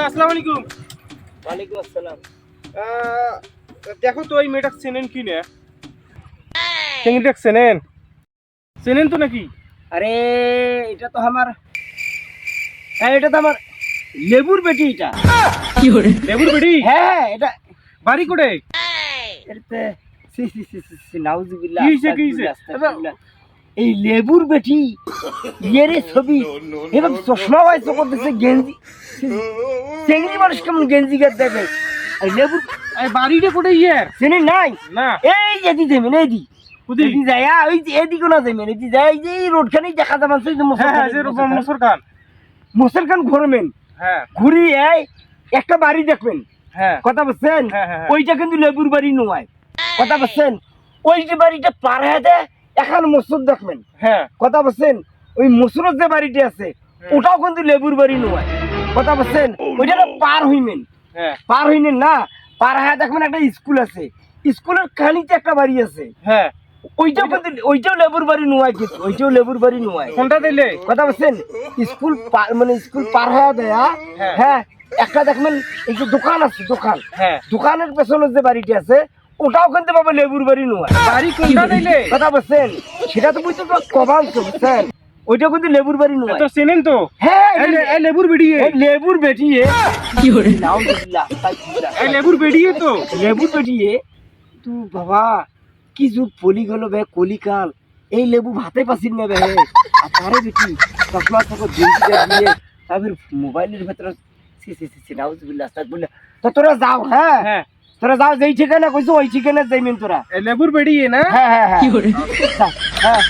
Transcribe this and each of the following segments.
চাচা আসসালামু আলাইকুম। ওয়ালাইকুম আসসালাম। দেখো তো এই মেয়েটা চেনেন কি না? চেংড়িটা চেনেন তো নাকি? আরে এটা তো আমার এটা তো আমার লেবুর বেটি। এটা লেবুর বেটি? হ্যাঁ এটা বাড়ি কোটে? এটাতে সি সি সি সি সি নাউজুবিল্লাহ। কি হইছে, কি হইছে? আস্তাগফিরুল্লাহ। এই লেবুর বেটি ইয়েরে ছবি এবার চশমা বাইছে করতেছে গেঞ্জি চেংড়ি মানুষ কেমন গেঞ্জি গাদ দেবে আর লেবুর এই বাড়িটা কোটে ইয়ার? চেনে নাই না এই এদি দেবেন এদি কুদি? এদি যায় ওই যে এদিকে না দেবেন এদি যায় এই যে রোডখানেই দেখা যাবে সেই যে হ্যাঁ হ্যাঁ, যে মসুর খান। মুসল খান ঘুরবেন হ্যাঁ ঘুরি এই একটা বাড়ি দেখবেন হ্যাঁ কথা বলছেন হ্যাঁ, হ্যাঁ, হ্যাঁ। ওইটা কিন্তু লেবুর বাড়ি নয় কথা বলছেন ওই যে বাড়িটা পার হয়ে দেয় এখন মসুর দেখবেন হ্যাঁ কথা বলছেন ওই মসুরের যে বাড়িটা আছে ওটাও কিন্তু লেবুর বাড়ি নয় কথা বলছেন ওইটা না পার হইবেন হ্যাঁ পার হইলেন না পার হয়ে দেখবেন একটা স্কুল আছে স্কুলের খানিতে একটা বাড়ি আছে হ্যাঁ। ওইটাও কিন্তু ওইটাও লেবুর বাড়ি নয় কিন্তু ওইটাও লেবুর বাড়ি নয় কোনটা দিলে? কথা বলছেন স্কুল মানে স্কুল পার হয়ে দেয় হ্যাঁ। হ্যাঁ একটা দেখবেন এই যে দোকান আছে দোকান হ্যাঁ। দোকানের পেছনে যে বাড়িটি আছে ওটাও কিন্তু বাবা লেবুর বাড়ি নয় বাড়ি কোনটা দিলে? কথা বলছেন সেটা তো বুঝতে তো কবাল তো বুঝছেন ওইটাও কিন্তু লেবুর বাড়ি নয় তো চেনেন তো? হ্যাঁ এই লেবুর বেটি? এই লেবুর বেটি কি করে নাউজুবিল্লাহ এই লেবুর বেটি তো? লেবুর বেটি তু বাবা কি যুগ পলি গেল বে কলিকাল এই লেবু ভাতে পাসিন না বে আর তারে বেটি চশমা চোখ দিয়ে তারপর মোবাইলের ভেতরে সি সি সি নাউজুবিল্লাহ আস্তাগফিরুল্লাহ তো তোরা যাও হ্যাঁ হ্যাঁ তোরা যাও যেই ঠিকানা কইছো ওই ঠিকানা যাইবেন তোরা এই লেবুর বেটি না? হ্যাঁ হ্যাঁ হ্যাঁ কি করে হ্যাঁ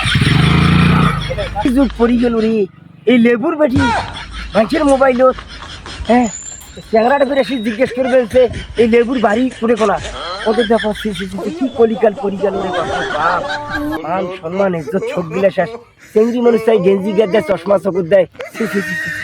কি যুগ পড়ি গেল রে এই লেবুর বেটি মানুষের মোবাইলত হ্যাঁ চ্যাংরাটা করে এসে জিজ্ঞেস করবে যে এই লেবুর বাড়ি করে কোনা ওদের দেখো কি কলিকাল পরিকাল রে বাপ মান সম্মান ইজ্জত সব গিলা শেষ চেংড়ি মানুষ চাই গেঞ্জি গেট দেয় চশমা চকুর দেয়